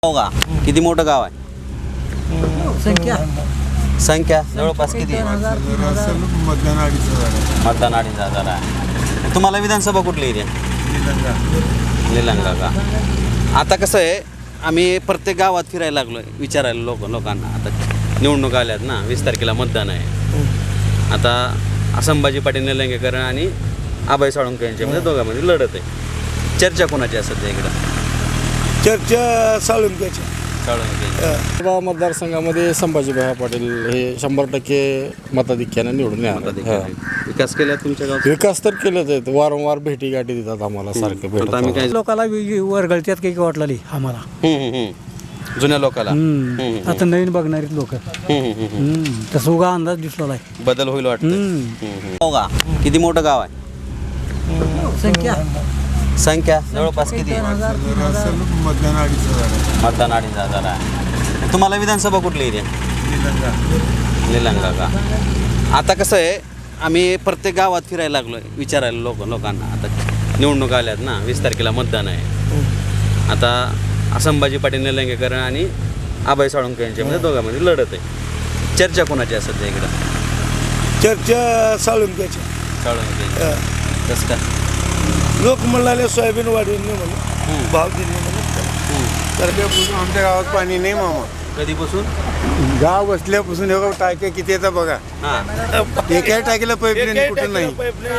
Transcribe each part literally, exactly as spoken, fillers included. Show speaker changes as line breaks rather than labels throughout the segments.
हो का? किती मोठं गाव आहे?
संख्या
संख्या जवळपास किती आहे?
मतदान अडीच हजार
मतदान अडीच हजार आहे. तुम्हाला विधानसभा कुठली इथे? निलंगा का? आता कसं आहे, आम्ही प्रत्येक गावात फिरायला लागलो आहे, विचारायला लोक लोकांना. आता निवडणूक आल्यात ना, वीस तारखेला मतदान आहे. आता संभाजी पाटील निलंगेकर आणि आबाई साळुंखे यांच्यामध्ये दोघांमध्ये लढत आहे. चर्चा कोणाची आहे सध्या इकडं?
चर्चा साळुंख्याची.
साळुंखे
गाव मतदारसंघामध्ये संभाजीभाई पाटील हे शंभर टक्के मताधिक्याने निवडून येणार.
विकास केला तुमच्या गावात?
विकास तर केलेच आहेत, वारंवार भेटी गाठी देतात आम्हाला, सारखे
आता आम्ही काय
लोकाला वरगळत्यात काही वाटली आम्हाला.
हम्म, हम्म, हम्म. जुन्या लोकाला
आता नवीन बघणारी लोक तसं उगा अंदाज दिसला आहे.
बदल होईल वाटतं. हो का? किती मोठं गाव आहे?
संख्या
संख्या जवळपास किती आहे?
मतदान अडीच हजार
मतदान अडीच हजार आहे. तुम्हाला विधानसभा कुठली इथे? निलंगा का? आता कसं आहे, आम्ही प्रत्येक गावात फिरायला लागलो आहे, विचारायला लोक लोकांना. आता निवडणूक आल्यात ना, वीस तारखेला मतदान आहे. आता संभाजी पाटील निलंगेकर आणि आबाई साळुंखे यांच्यामध्ये दोघांमध्ये लढत आहे. चर्चा कोणाची आहे सध्या इकडं?
चर्चा साळुंख्याची.
साळुंखे. कसं काय?
लोक म्हणाले सोयाबीन वाढवली म्हणून, भाव दिले म्हणून. तर आमच्या गावात पाणी नाही मामा.
कधीपासून?
गाव बसल्यापासून हे टाक्या किती येतात बघा.
हां.
एका टाकीला पाईपलाईन कुठं नाही.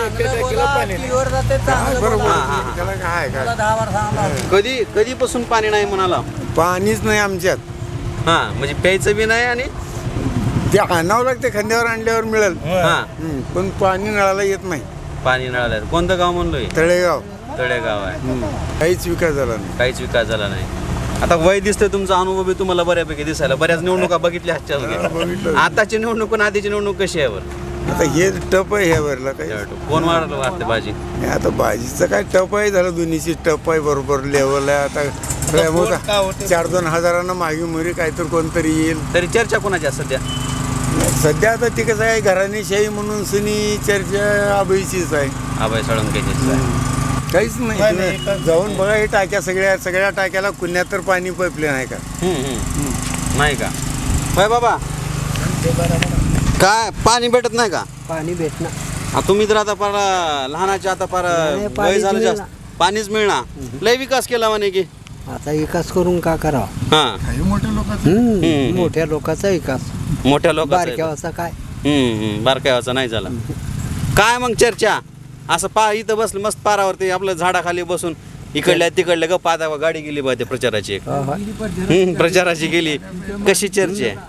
बरोबर. त्याला काय काय
कधी कधीपासून पाणी नाही म्हणाला?
पाणीच नाही आमच्यात.
हां, म्हणजे प्यायचं बी नाही आणि
ते आणावं लागते, खांद्यावर आणल्यावर मिळेल.
हां,
हम्म. पण पाणी नळाला येत नाही.
पाणी नळाला. कोणतं गाव म्हणलोय?
तळेगाव.
तळेगाव आहे.
हम्म. काहीच विकास झाला नाही.
काहीच विकास झाला नाही. आता वय दिसतंय, तुमचा अनुभव बी तुम्हाला बऱ्यापैकी दिसायला. बऱ्याच निवडणुका बघितल्या
हा,
हातच्या.
बघितलं.
आताची निवडणूक आणि आधीची निवडणूक कशी आहे बरं?
आता हे टप आहे ह्यावरला काही.
कोण वाढलं वाटते भाजी?
हे आता भाजीचं काय टप आहे झालं, दोन्हीची टप आहे, बरोबर लेवल आहे. आता काय मोठा चार दोन हजारांना मागे मुरी काहीतरी कोणतरी येईल.
तरी चर्चा कोणाची आहे सध्या?
सध्या आता ती कसं आहे, घराणेशाही म्हणून सुनी चर्चा आबईचीच आहे.
आबाई साळुंखेची.
काहीच नाही. तुम्ही जाऊन बघा, हे टाक्या सगळ्या सगळ्या टाक्याला कुण्यात तर पाणी पाईपलाईन आहे का?
नाही का? होय बाबा, काय पाणी भेटत नाही का?
पाणी भेटणं
तुम्ही तर आता पार लहानाचे, आता पार वय झालं जास्त, पाणीच मिळणार. लय विकास केला म्हणे की.
आता विकास करून का करावा?
हा,
काही मोठे लोक
हम्म.
मोठ्या लोकांचा विकास,
मोठ्या लोक
बारक्यावाचा काय?
बारकावाचा नाही झाला. काय मग चर्चा? असं पा इथं बसलं मस्त पारावरती आपलं झाडाखाली बसून इकडल्या तिकडल्या गप्पा. आता गाडी गेली बा त्या प्रचाराची एक. हम्म, प्रचाराची गेली. कशी चर्चा आहे?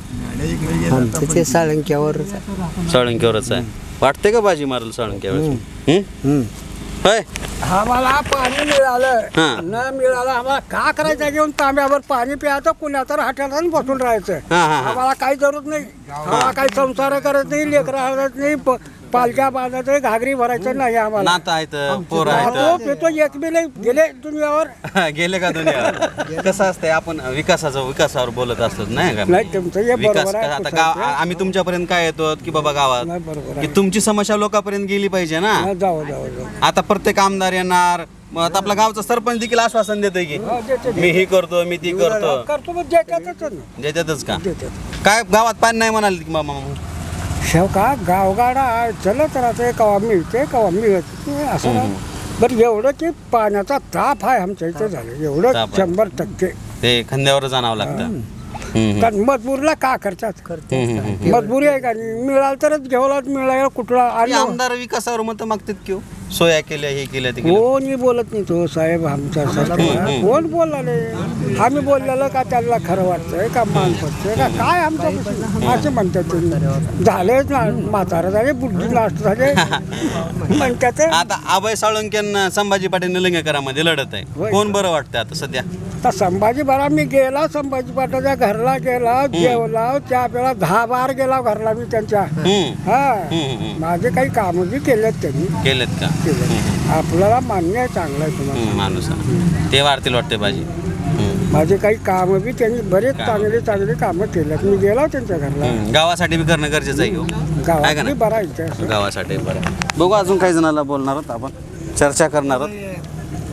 आमचं ते साळंक्यावर
साळुंखेवरच आहे. वाटते का बाजी मारल साळुंखेवर? होय.
आम्हाला पाणी मिळालं
हां.
न मिळालं आम्हाला का करायचं? घेऊन तांब्यावर पाणी प्यायचं, कुण्या तर हॉटेलात बसून राहायचं.
हां, हां, हां.
आम्हाला काही जरूरत नाही. आम्हाला काही संसार करत नाही, लेकरं हळत नाही, प- पालख्या बांधायचं, घागरी भरायचं नाही आम्हाला.
नातं आहेत, पोर
तो
आहेत.
पितो एक बी नाही गेले दुनियावर.
गेले का दुनिया? कसं असतंय, आपण विकासाचं विकासावर बोलत असतो नाही का?
नाही, तुमचं हे
विकास
बरोबर आहे.
आता गाव आम्ही तुमच्यापर्यंत काय येतो की बाबा गावात
नाही, बरोबर
की
आहे.
तुमची समस्या लोकांपर्यंत गेली पाहिजे ना.
हा, जाऊ जाऊ जाऊ
आता प्रत्येक आमदार येणार, मग आता आपला गावचा सरपंच देखील आश्वासन देतोय की
हा, देते,
मी ही करतो, मी ती करतो.
करतो मग देतातच ना.
देतातच का?
देतात.
काय गावात पाणी नाही म्हणाले की मामा?
शेव का गावगाडा चलत राहते, कवा मिळते कवा मिळत नाही, असं नाही. बरं एवढं की पाण्याचा ताप आहे आमच्या इथे झालं, एवढं
ताप आहे.
शंभर टक्के.
ते खांद्यावर जाणावं लागतं. हम्म, हम्म.
कारण मजबूरला का करतात?
हम्म, हम्म, हम्म.
मजबुरी आहे का? मिळालं तरच घेवला, मिळाला कुठला
हे
आणि
आमदार विकासावर मत मागतात की हो? सोया केल्या, हे केल्या, ते केल्या.
कोणी बोलत नाही तो साहेब आमचा सरकार. कोण बोलला आम्ही बोललेलं का त्यांना खरं वाटतंय का मान पडतंय का काय? आमचं असं म्हणतात तुम्ही. झालेच ना, म्हातारा झाले, बुद्धी नाष्ट झाले म्हणतात.
आता अभय साळुंखे संभाजी पाटील निलंगेकरांमध्ये लढत आहे.
होय.
कोण बरं वाटतं आता सध्या?
तर संभाजी बरा मी गेला, संभाजी पाटाच्या घरला गेला, जेवला, त्या वेळा दहा बार गेला घरला मी त्यांच्या.
हम्म,
हा,
हम्म, हम्म.
माझे काही कामं बी केलेत त्यांनी.
केलेत का?
केलेत. आपल्याला मान्य आहे, चांगलं आहे तुम्हाला.
हम्म, माणूस आहे. ते वाढतील वाटते भाजी. हम्म,
माझे काही कामं बी त्यांनी बरेच चांगले चांगले कामं केलेत. मी गेला त्यांच्या घरला.
हम्म. गावासाठी बी करणं गरजेचं आहे की हो? आहे का
गावात
नाही?
बरा इथे असं.
गावासाठी बरं. बघू, अजून काही जणांना बोलणार आहोत आपण, चर्चा करणार आहोत.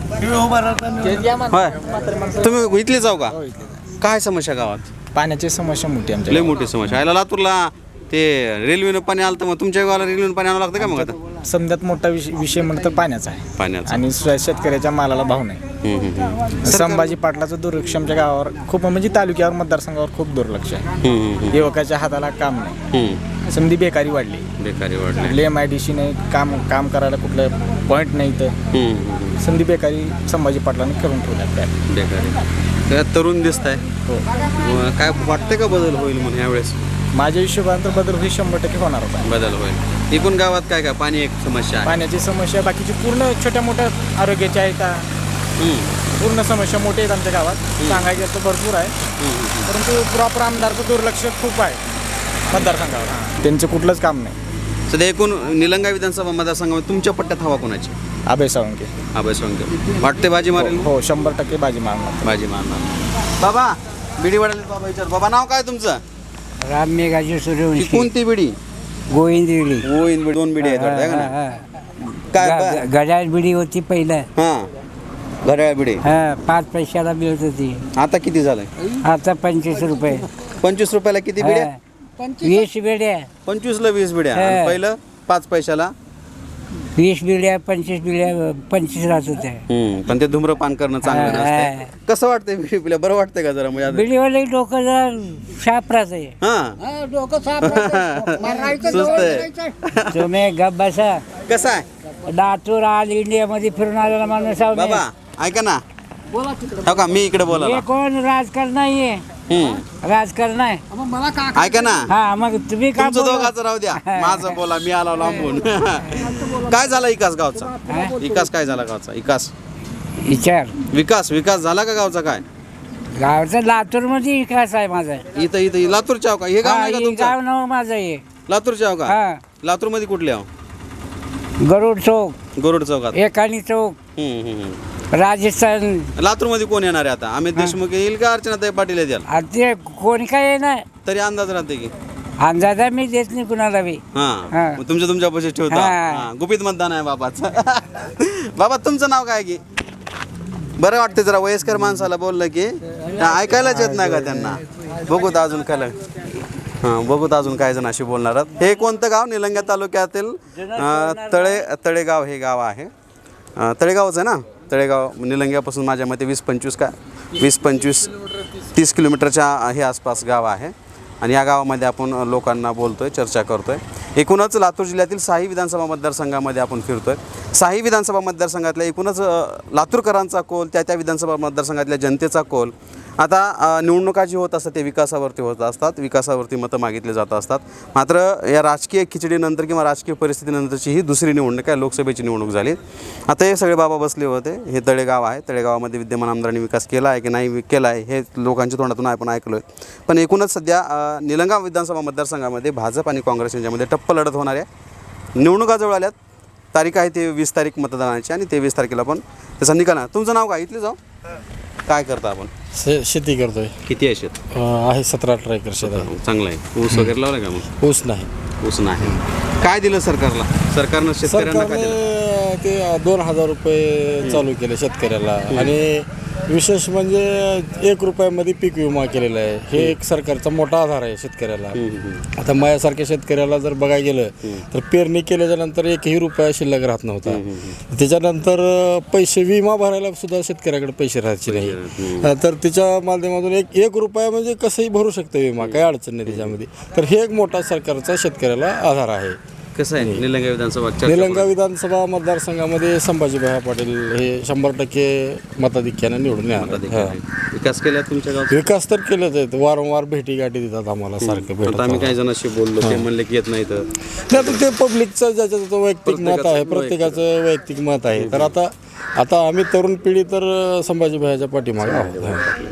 होय तुम्ही इथले जाऊ का काय समस्या गावात
पाण्याची समस्या मोठी आमच्या
लय मोठी समस्या यायला लातूरला ते रेल्वेनं पाणी आलं तर मग तुमच्या गावाला रेल्वेनं पाणी आणावं लागतं का मग आता
समजात मोठा विषय विषय म्हणलं तर पाण्याचा आहे
पाण्याचं
आणि श- शेतकऱ्याच्या मालाला भाव नाही.
हम्म, हम्म, हम्म.
संभाजी पाटलाचं दुर्लक्ष आमच्या गावावर खूप म्हणजे तालुक्यावर मतदारसंघावर खूप दुर्लक्ष आहे.
हम्म, हम्म, हम्म.
युवकाच्या हाताला काम नाही,
हम्म.
समधी बेकारी वाढली,
बेकारी वाढली
कुठले एम आय डी सी नाही, काम काम करायला कुठलं पॉईंट नाही, तर
हम्म, हम्म.
संधी बेकारी संभाजी पाटलांनी करून ठेवल्या.
बेकारी त्यात तरुण दिसत आहे काय वाटतंय का बदल होईल म्हणून यावेळेस
माझ्या हिशोबाने तर बदल ही शंभर टक्के होणार होता.
बदल होईल एकूण गावात काय काय पाणी एक समस्या आहे
पाण्याची समस्या बाकीची पूर्ण छोट्या मोठ्या आरोग्याच्या आहेत,
हम्म,
पूर्ण समस्या मोठ्या आहेत आमच्या गावात. सांगायचं तर भरपूर आहे,
हम्म.
परंतु प्रॉपर आमदारचं दुर्लक्ष खूप आहे मतदारसंघावर. त्यांचं कुठलंच काम नाही.
सध्या एकूण निलंगा विधानसभा मतदारसंघामध्ये तुमच्या पट्ट्यात हवा कोणाची
अभय सावंगे
अभय सोंगे वाटते बाजी मारेल
हो शंभर टक्के बाजी मारणार.
बाजी मारणार बाबा बिडी वाढेल बाबा विचार बाबा नाव काय तुमचं
राम मेघाजी
ही
सूर्यवंशी
कोणती बिडी
गोविंदविडी
गोविंद बिडी दोन बिडी आहेत वाटतं, है का ना? काय ब-
गजाळ बिडी होती पहिलं.
हा घड्याळ बिडी
हा पाच पैशाला मिळत होती.
आता किती झालंय
आता पंचवीस रुपये.
पंचवीस रुपयाला किती बिड्या
हा. वीस बिड्या
पंचवीसला वीस बिड्या आणि
हा.
पहिलं पाच पैशाला
वीस बिड्या पंचवीस बिड्या पंचवीस राहत होत्या.
हम्म, पण ते धूम्रपान करणं चांगलं
हा.
नसतंय कसं वाटतंय बिडी पिल्या बरं वाटतंय का जरा म्हणजे
बिडीवाले डोकं जरा शाप राहते.
हा
डोकं साफ मारायचं
सुस्त आहे
तुम्ही गप बसा.
कसं आहे
लातूर ऑल इंडियामध्ये फिरून आलेला माणूस आहो मी.
बाबा ऐका ना हो का मी इकडे बोला
हे कोण राजकारण नाहीये, राजकारण आहे.
मला का
ऐका ना
हा मग तुम्ही का
तुमचं
बोलत?
दोघांचं राहू द्या माझं बोला मी आलो लांबून काय झाला विकास गावचा विकास काय झाला गावचा विकास
विचार
विकास विकास झाला का गावचा काय
गावचा लातूर मध्ये विकास आहे माझा.
इथं इथं लातूर चाव का हे गाव
हा,
नाही का
हे
तुमचं
गाव नाव माझं आहे.
लातूर चाव का
हा
लातूर मध्ये कुठले आहो
गरुड चौक,
गरुड चौकात
एकानी चौक,
हम्म, हम्म, हम्म.
राजस्थान.
लातूर मध्ये कोण येणार आहे आता अमित देशमुख येईल का अर्चनाताई पाटील येतील
आता ते कोणी काय आहे ना
तरी अंदाज राहते की
अंदाजा मी देत नाही कुणाला बी.
हा
हा.
मग तुमच्या तुमच्या पैसे ठेवता
हा.
हा, गुपित मतदान आहे बाबाचं बाबा तुमचं नाव काय की बरं वाटतं जरा वयस्कर माणसाला बोललं की ऐकायलाच येत नाही का त्यांना बघूत अजून काय हां बघूत अजून काय जण अशी बोलणार आहेत. हे कोणतं गाव निलंगा तालुक्यातील अं, तळे तळेगाव हे गाव आहे अं, तळेगावच आहे ना तळेगाव निलंग्यापासून माझ्या मते वीस पंचवीस का वीस पंचवीस तीस किलोमीटरच्या हे आसपास गाव आहे आणि या गावामध्ये आपण लोकांना बोलतोय चर्चा करतोय. एकूणच लातूर जिल्ह्यातील साही विधानसभा मतदारसंघामध्ये आपण फिरतोय. साही विधानसभा मतदारसंघातल्या एकूणच अ, लातूरकरांचा कौल त्या त्या विधानसभा मतदारसंघातल्या जनतेचा कौल आता अ, निवडणुका जी होत असतात ते विकासावरती होत असतात विकासावरती मतं मागितले जात असतात. मात्र या राजकीय खिचडीनंतर किंवा राजकीय परिस्थितीनंतरची ही दुसरी निवडणूक आहे लोकसभेची निवडणूक झाली. आता हे सगळे बाबा बसले होते. हे तळेगाव आहे तळेगावामध्ये विद्यमान आमदारांनी विकास केला आहे की नाही केला आहे हे लोकांच्या तोंडातून आपण ऐकलो आहे. पण एकूणच सध्या अ, निलंगा विधानसभा मतदारसंघामध्ये भाजप आणि काँग्रेस यांच्यामध्ये टप्प लढत होणार आहे. निवडणुका जवळ आल्यात. तारीख आहे ते वीस तारीख मतदानाची आणि तेवीस तारखेला पण त्याचा निकाल आहे. तुमचं नाव काय इथले जाऊ काय करता आपण
शे शेती करतोय.
किती आहे शेत
अं, आहे सतरा अठरा एकर शेत आहे.
चांगलं आहे ऊस वगैरे लावलं का मग
ऊस नाही.
ऊस नाही काय दिलं सरकारला सरकारनं शेतकऱ्यांना काय दिलं
सरकारने ते दोन हजार रुपये चालू केले शेतकऱ्याला आणि विशेष म्हणजे एक रुपयामध्ये पीक विमा केलेला आहे. हे एक सरकारचा मोठा आधार आहे शेतकऱ्याला. आता माझ्यासारख्या शेतकऱ्याला जर बघायला गेलं तर पेरणी केल्याच्या नंतर एकही रुपया शिल्लक राहत नव्हता. त्याच्यानंतर पैसे विमा भरायला सुद्धा शेतकऱ्याकडे पैसे राहायचे नाही. तर त्याच्या माध्यमातून एक एक रुपया म्हणजे कसंही भरू शकतं विमा काही अडचण नाही त्याच्यामध्ये. तर हे एक मोठा सरकारचा शेतकऱ्याला आधार आहे.
कसं आहे निलंगा विधानसभा चर्चा
निलंगा विधानसभा मतदारसंघामध्ये संभाजीभाई पाटील हे शंभर टक्के मताधिक्याने निवडून येणार.
मताधिकारी. विकास केला तुमच्या गावात
विकास तर केलेच आहेत. वारंवार भेटी गाठी देतात आम्हाला सारखे भेटत
आता आम्ही काही जणांशी बोललो ते म्हणले की येत नाही तर
नाही, पण ते पब्लिकचं ज्याचं त्याचं वैयक्तिक मत आहे प्रत्येकाचं वैयक्तिक मत आहे. तर आता आता आम्ही तरुण पिढी तर संभाजीभाईच्या पाठीमागे आहोत.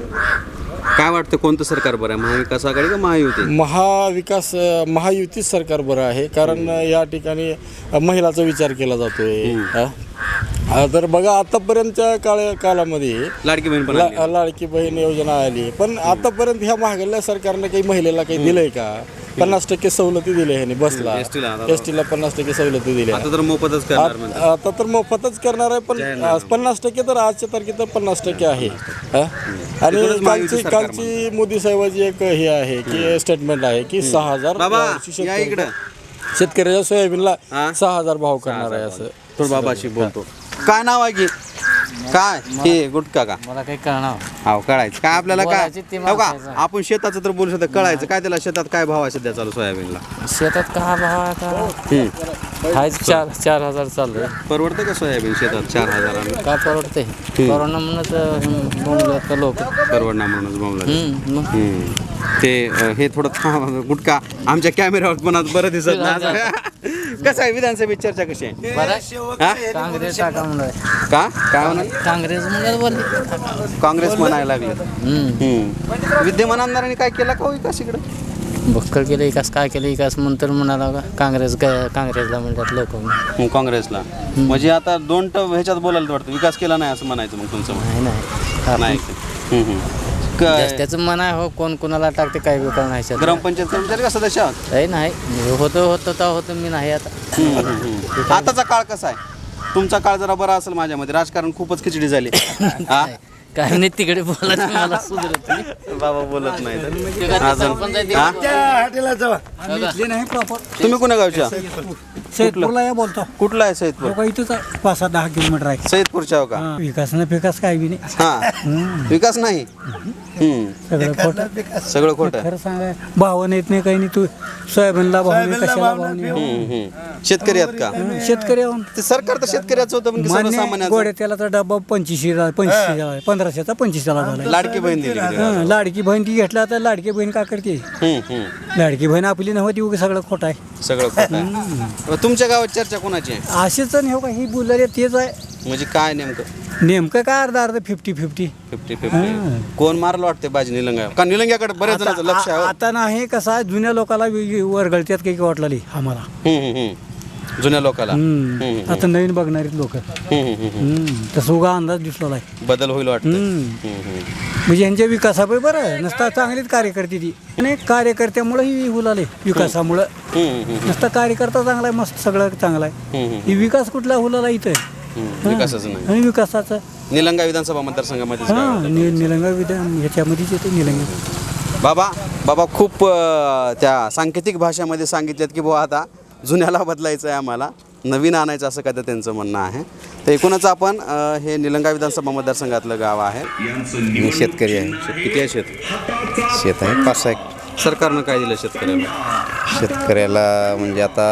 काय वाटतं कोणतं सरकार बरं आहे महाविकास आघाडी का महायुती
महाविकास महायुतीच सरकार बरं आहे कारण या ठिकाणी महिलाचा विचार केला जातोय. हा? हा, तर बघा आतापर्यंतच्या काळ काळामध्ये
लाडकी बहीण पण आली.
ला- लाडकी बहीण योजना आली पण आतापर्यंत ह्या महागल्या सरकारने काही महिलेला काही दिलंय का पन्नास टक्के सवलती दिल्या ह्यांनी बसला
एस टीला आता
एस टीला पन्नास टक्के सवलती दिल्या
आता तर मोफतच करणार म्हणतात.
आ- आता तर मोफतच करणार आहे पण आज पन्नास टक्के तर आजच्या तारखेत पन्नास टक्के आहे हा? आणि
तिकडूनच महायुती
कालची
सरकार
कालची मोदी साहेबाची एक हे आहे की स्टेटमेंट आहे की सहा हजार
बाबा
यावर्षी
या
शेतकऱ्याच्या-
इकडं
शेतकऱ्याच्या सोयाबीनला
हा?
सहा हजार भाव करणार आहे असं
थोडं बाबाशी बोलतो. काय नाव आहे की काय हे गुटखा का
मला काही कळणार
हाव कळायचं काय आपल्याला काय
बोलायची ते
हो का
माणसाचं.
आपण शेताचं तर बोलू शकतो कळायचं काय त्याला शेतात काय भाव आहे सध्या चालू सोयाबीनला
शेतात का भाव आता
हम्म.
हाय चार चार हजार चालू आहे
परवडतं का सोयाबीन शेतात चार हजारानं
का परवडते कोरोना म्हणूनच बोंबलत लोक
परवडणार म्हणूनच बोंबला
हम्म, मग
हम्म. ते अ, हे थोडं थांब, गुटखा आमच्या कॅमेऱ्यावर पण आज बरं दिसत नाही कसं आहे विधानसभेत चर्चा कशी आहे
बरं
हा?
काँग्रेस टाका म्हणलं
का काय म्हणा
काँग्रेस म्हणलं बोलले
काँग्रेस म्हणायला लागले
हम्म.
हम्म. विद्यमान आमदारांनी काय केलं का हो विकास इकडं
बक्कळ केलं विकास काय केलं विकास म्हणून म्हणाला का काँग्रेस क- काँग्रेसला म्हणतात लोक
हम्म, काँग्रेसला म्हणजे आता दोन ट ह्याच्यात बोलायला वाटतं विकास केला नाही असं म्हणायचं मग तुमचं म्हणणं.
नाही नाही
नाही हम्म, हम्म. क-
त्याचं मन आहे हो कोण कोणाला टाकते काय बी कळणार नाही
ग्रामपंचायत कर्मचारी का सदस्य आहात?
काही नाही होतं होतं तर होतं मी नाही आता
हम्म, हम्म, हम्म. आताचा काळ कसा आहे तुमचा काळ जरा बरा असेल माझ्यामध्ये राजकारण खूपच खिचडी झाली हा?
काय नाही तिकडे बोलायचं मला सुधरत नाही.
बाबा बोलत नाही तर.
ते काय ते
अजून
सरपंच आहे ते-
हा?
इथले नाही प्रॉपर
तुम्ही कुण्या गावच्या
सैदपूरला या बोलतो
कुठला आहे सैदपूर
लोक इथंच आहे पाच सहा दहा किलोमीटर आहे
सैदपूरच्या हो का
हा, विकास ना विकास काय बी नाही
हा विकास नाही हम्म.
सगळं खोटं
सगळं खोटं आहे.
खरं सांगाय भाव येत नाही काही नाही तू सोयाबीनला भाव नाही कशाला भाव नाही
हम्म, हम्म. शेतकरी आहेत का
हं, शेतकरी आहोत.
ते सरकार तर शेतकऱ्याचं होतं पण की
मान्य
सर्वसामान्यांचं
गोड्या त्याला डब्बा पंचवीसशे पंचवीसशे झाला पंधराशेचा पंचवीसशेला झाला
लाडकी बहीण दिली का?
हं, लाडकी बहीण ती घेतला तर लाडकी बहीण का करते
हम्म, हम्म.
लाडकी बहीण आपली नव्हती उगी सगळं खोटं आहे
सगळं खोटं आहे. तुमच्या गावात चर्चा कोणाची आहे
असेच नाही हो का ही बोलले तेच आहे
म्हणजे काय नेमकं
नेमकं काय अर्धा अर्ध फिफ्टी फिफ्टी
फिफ्टी फिफ्टी कोण मारलं वाटते बाजी निलंगा का निलंग्याकडे बऱ्याच जणांचं लक्ष आहे हो.
आता नाही कसं आहे जुन्या लोकाला वरगळत्यात काही वाटलेली आम्हाला
हम्म, हम्म, हम्म. जुन्या लोकाला
हम्म.
हम्म,
आता नवीन बघणारी लोक
हम्म, हम्म, हम्म.
तसं उगा अंदाज दिसलेला आहे
बदल होईल वाटतं
हम्म.
हम्म, हम्म.
म्हणजे यांच्या विकासामुळे बरं आहे नसता चांगलीच कार्यकर्ती ती आणि कार्यकर्त्यामुळे ही हुलाले विकासामुळं
हम्म, हम्म,
नसता कार्यकर्ता चांगला आहे मस्त सगळं चांगलं आहे
हम्म, हम्म.
ही विकास कुठला हुलाला इथं आहे.
हम्म. विकासाचं नाही
आणि विकासाचं
निलंगा विधानसभा मतदारसंघामध्येच
हा
गाव आहे.
नि निलंगा विधान ह्याच्यामध्येच येते निलंगा
बाबा बाबा खूप अं, त्या सांकेतिक भाषेमध्ये सांगितलेत की बुवा आता जुन्याला बदलायचं आहे आम्हाला नवीन आणायचं असं काय तर त्यांचं म्हणणं आहे तर एकूणच आपण अं, हे निलंगा विधानसभा मतदारसंघातलं गाव आहे
मी शेतकरी आहे
शेत- किती आहे शेत
शेत आहे पाच सहा एक-
सरकारनं काय दिलं शेतकऱ्याला
शेतकऱ्याला म्हणजे आता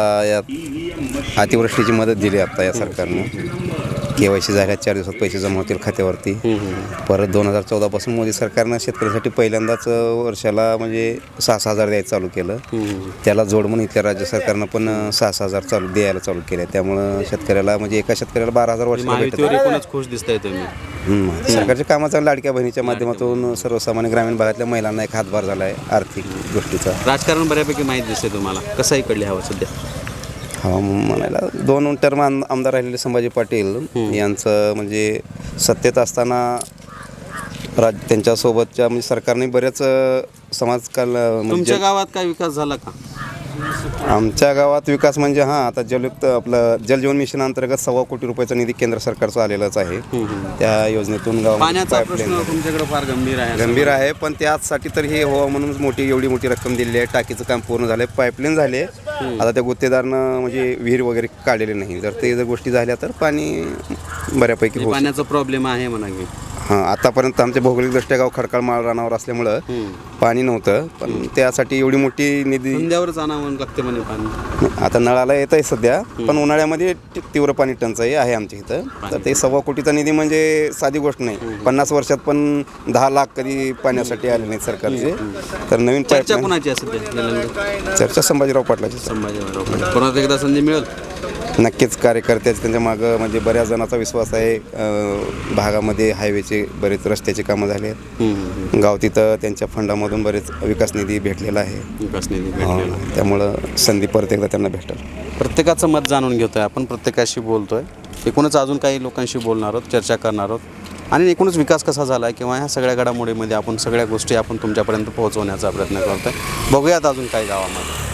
यात अतिवृष्टीची मदत दिली आता या सरकारनं के वाय सी झाल्या चार दिवसात पैसे जमा होतील खात्यावरती परत दोन हजार चौदापासून मोदी सरकारनं शेतकऱ्यासाठी पहिल्यांदाच वर्षाला म्हणजे सहा सहा हजार द्यायचं चालू केलं त्याला जोड म्हणून इथल्या राज्य सरकारनं पण सहा सहा हजार चालू द्यायला चालू केलं त्यामुळं शेतकऱ्याला म्हणजे एका शेतकऱ्याला बारा हजार वर्षाला भेटत
महायुतीवर एकूणच खुश दिसताय तुम्ही
हम्म. सरकारच्या कामाचा लाडक्या बहिणीच्या माध्यमातून सर्वसामान्य ग्रामीण भागातल्या महिलांना एक हातभार झाला आहे आर्थिक गोष्टीचा
राजकारण बऱ्यापैकी माहीत दिसते तुम्हाला कसं इकडली हवं सध्या
हा म्हणायला दोन टर्म आमदार राहिलेले संभाजी पाटील यांचं म्हणजे सत्तेत असताना राज त्यांच्यासोबतच्या म्हणजे सरकारने बऱ्याच समाजकाल म्हणजे
तुमच्या गावात काय विकास झाला का
आमच्या गावात विकास म्हणजे हां आता जलयुक्त आपलं जलजीवन मिशन अंतर्गत सव्वा कोटी रुपयाचा निधी केंद्र सरकारचा आलेलाच आहे त्या योजनेतून गाव
पाण्याचा प्रश्न तुमच्याकडे फार गंभीर आहे
गंभीर आहे पण त्यासाठी तर हे हो म्हणून मोठी एवढी मोठी रक्कम दिली आहे टाकीचं काम पूर्ण झालं आहे पाईपलाईन झाले आता त्या गुत्तेदारनं म्हणजे विहीर वगैरे काढलेले नाही जर ते जर गोष्टी झाल्या तर पाणी बऱ्यापैकी होऊ
पाण्याचा प्रॉब्लेम आहे म्हणा की
हां आतापर्यंत आमच्या भौगोलिकदृष्ट्या गाव खडकाळ माळ रानावर असल्यामुळं पाणी नव्हतं पण त्यासाठी एवढी मोठी निधी
धंद्यावरच आणावं लागते म्हणे पाणी
आता नळाला येत आहे सध्या पण उन्हाळ्यामध्ये ती- तीव्र पाणी टंचाई आहे आमच्या इथं तर ते सव्वा कोटीचा निधी म्हणजे साधी गोष्ट नाही पन्नास वर्षात पण दहा लाख कधी पाण्यासाठी आले नाहीत सरकारचे तर नवीन
चर्चा
पाईपलाईन
कोणाची असेल ते निलंगा
चर्चा संभाजीराव पाटलाची
संभाजीराव परत एकदा संधी मिळेल
नक्कीच कार्यकर्त्याचे त्यांच्या मागं म्हणजे बऱ्याच जणांचा विश्वास आहे अं, भागामध्ये हायवेचे बरेच रस्त्याचे कामं झाले आहेत गाव तिथं त्यांच्या फंडामधून बरेच विकास निधी भेटलेला आहे
विकास निधी
हां,
भेटलेला
त्यामुळं संधी परत एकदा त्यांना भेटेल
प्रत्येकाचं मत जाणून घेतोय आपण प्रत्येकाशी बोलतोय एकूणच अजून काही लोकांशी बोलणार आहोत चर्चा करणार आहोत आणि एकूणच विकास कसा झाला आहे किंवा ह्या सगळ्या घडामोडीमध्ये आपण सगळ्या गोष्टी आपण तुमच्यापर्यंत पोहोचवण्याचा प्रयत्न करतो आहे. बघूयात अजून काही गावामध्ये.